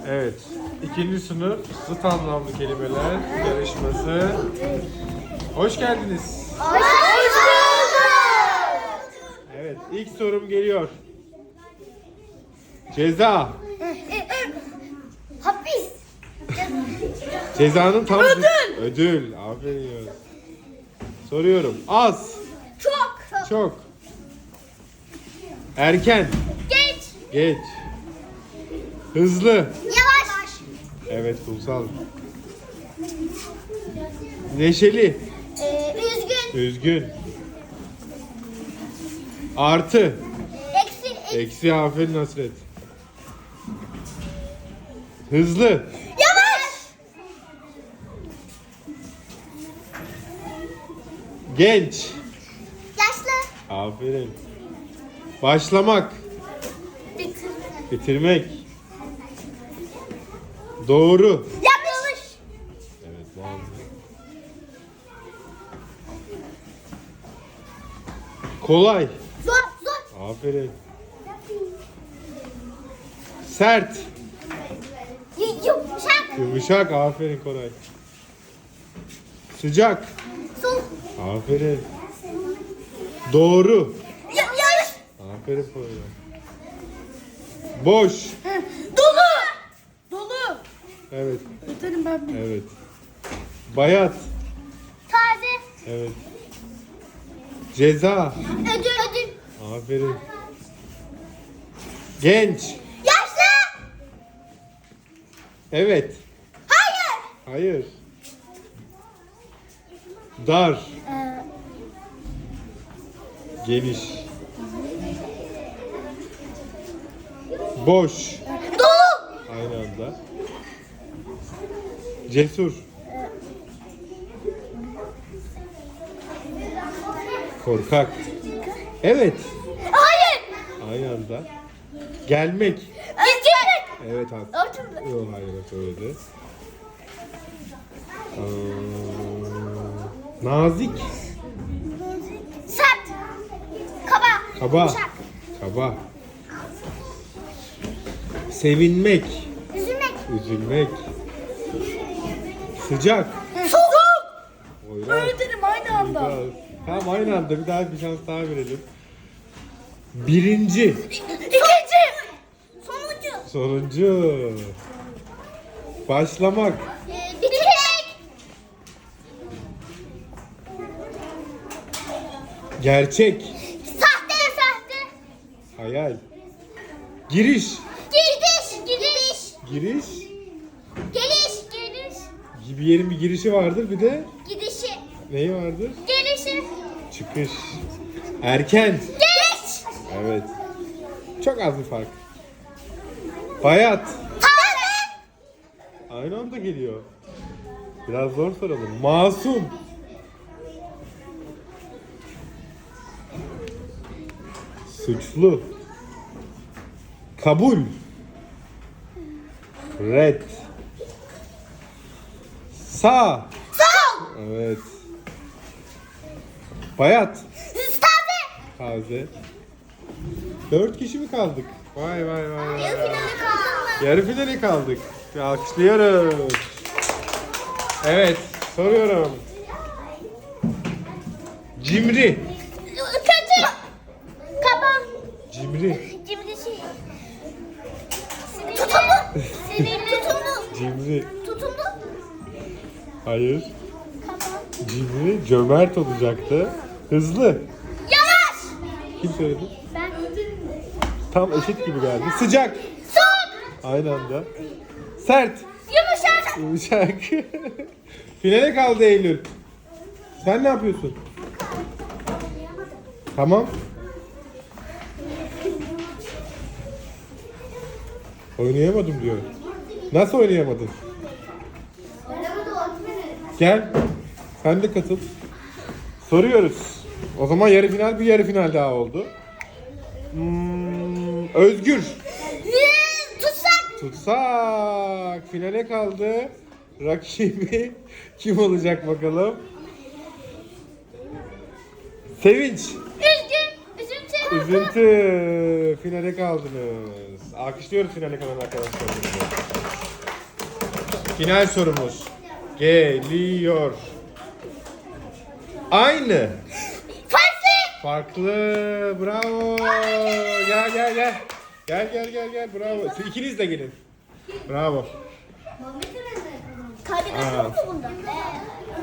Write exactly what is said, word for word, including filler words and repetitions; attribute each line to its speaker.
Speaker 1: Evet. İkinci sınıf zıt anlamlı kelimeler yarışması. Hoş geldiniz.
Speaker 2: Hoş bulduk.
Speaker 1: Evet, ilk sorum geliyor. Ceza.
Speaker 2: Hapis.
Speaker 1: Cezanın tam
Speaker 2: Ödül.
Speaker 1: Ödül. Aferin ya. Soruyorum. Az.
Speaker 2: Çok.
Speaker 1: Çok. Erken.
Speaker 2: Geç.
Speaker 1: Geç. Hızlı.
Speaker 2: Yavaş.
Speaker 1: Evet, Kumsal. Neşeli.
Speaker 2: Ee, üzgün.
Speaker 1: Üzgün. Artı.
Speaker 2: Eksi.
Speaker 1: Eksi. Aferin Hasret. Hızlı.
Speaker 2: Yavaş.
Speaker 1: Genç.
Speaker 2: Yaşlı.
Speaker 1: Aferin. Başlamak.
Speaker 2: Bitirmek.
Speaker 1: Bitirmek. Doğru.
Speaker 2: Yanlış.
Speaker 1: Evet, doğru. Kolay.
Speaker 2: Zor. Zor.
Speaker 1: Aferin. Sert.
Speaker 2: Y- Yumuşak.
Speaker 1: Yumuşak. Aferin Koray. Sıcak.
Speaker 2: Soğuk.
Speaker 1: Aferin. Doğru.
Speaker 2: Ya- yanlış.
Speaker 1: Aferin Koray. Boş.
Speaker 2: Dolu. Dolu.
Speaker 1: Evet.
Speaker 2: Yeterim ben bir.
Speaker 1: Evet. Bayat.
Speaker 2: Taze.
Speaker 1: Evet. Ceza.
Speaker 2: Ödül. Ödül.
Speaker 1: Aferin. Genç.
Speaker 2: Yaşlı.
Speaker 1: Evet.
Speaker 2: Hayır.
Speaker 1: Hayır. Dar.
Speaker 2: Ee,
Speaker 1: Geniş. Boş.
Speaker 2: dolu.
Speaker 1: Aynı anda. Cesur. Korkak. Evet.
Speaker 2: Hayır.
Speaker 1: Aynı anda. Gelmek.
Speaker 2: Üzgün.
Speaker 1: Evet abi.
Speaker 2: Örtün.
Speaker 1: Yok, hayır, öyle. Ee, nazik.
Speaker 2: Sert. Kaba.
Speaker 1: Kaba.
Speaker 2: Yumuşak.
Speaker 1: Kaba. Sevinmek.
Speaker 2: Üzülmek.
Speaker 1: Üzülmek. Sıcak.
Speaker 2: Soğuk.
Speaker 1: Oynar.
Speaker 2: Öyle derim aynı anda.
Speaker 1: Biraz. Tamam, aynı anda bir daha bir şans daha verelim. Birinci.
Speaker 2: İkinci. Sonuncu.
Speaker 1: Sonuncu. Başlamak.
Speaker 2: Ee, bitirmek.
Speaker 1: Gerçek.
Speaker 2: Sahte. Sahte.
Speaker 1: Hayal. Giriş.
Speaker 2: Gidiş. Gidiş.
Speaker 1: Giriş.
Speaker 2: Geliş. Geliş.
Speaker 1: Bir yerin bir girişi vardır, bir de
Speaker 2: Gidişi.
Speaker 1: neyi vardır?
Speaker 2: Gelişi.
Speaker 1: Çıkış. Erken.
Speaker 2: Geç.
Speaker 1: Evet. Çok az bir fark. Bayat.
Speaker 2: Taze.
Speaker 1: Aynı anda geliyor. Biraz zor soralım. Masum. Suçlu. Kabul. Red. Sağ.
Speaker 2: Sol.
Speaker 1: Evet. Bayat.
Speaker 2: Taze.
Speaker 1: Taze. Dört kişi mi kaldık? Vay vay vay vay.
Speaker 2: Yarı finale kaldın mı?
Speaker 1: Yarı finale kaldık. Bir alkışlıyoruz. Evet, soruyorum. Cimri.
Speaker 2: Kötü. Kaba.
Speaker 1: Cimri.
Speaker 2: Cimrisi. Tutumlu. Sinirli. Tutumlu.
Speaker 1: Cimri.
Speaker 2: Tutumlu.
Speaker 1: Hayır.
Speaker 2: Kaba.
Speaker 1: Cimri cömert olacaktı. Hızlı.
Speaker 2: Yavaş.
Speaker 1: Kim söyledi?
Speaker 2: Ben.
Speaker 1: Tam eşit gibi geldi. Sıcak.
Speaker 2: Soğuk.
Speaker 1: Aynı anda. Sert.
Speaker 2: Yumuşak.
Speaker 1: Yumuşak. Finale kaldı Eylül. Sen ne yapıyorsun? Tamam. Oynayamadım diyor. Nasıl oynayamadın? Gel. Sen de katıl. Soruyoruz. O zaman yarı final bir yarı final daha oldu. Hmm, Özgür.
Speaker 2: Tutsak.
Speaker 1: Tutsak. Finale kaldı. Rakibi kim olacak bakalım? Sevinç.
Speaker 2: Üzgün. Üzüntü.
Speaker 1: Üzüntü. Finale kaldınız. Alkışlıyoruz finale kalan arkadaşlarımızı. Final sorumuz geliyor. Aynı.
Speaker 2: Farklı.
Speaker 1: Farklı. Bravo. Gel gel gel. Gel gel gel gel. Bravo. Siz ikiniz de gelin. Bravo.
Speaker 2: Kaybeden yok mu bunda?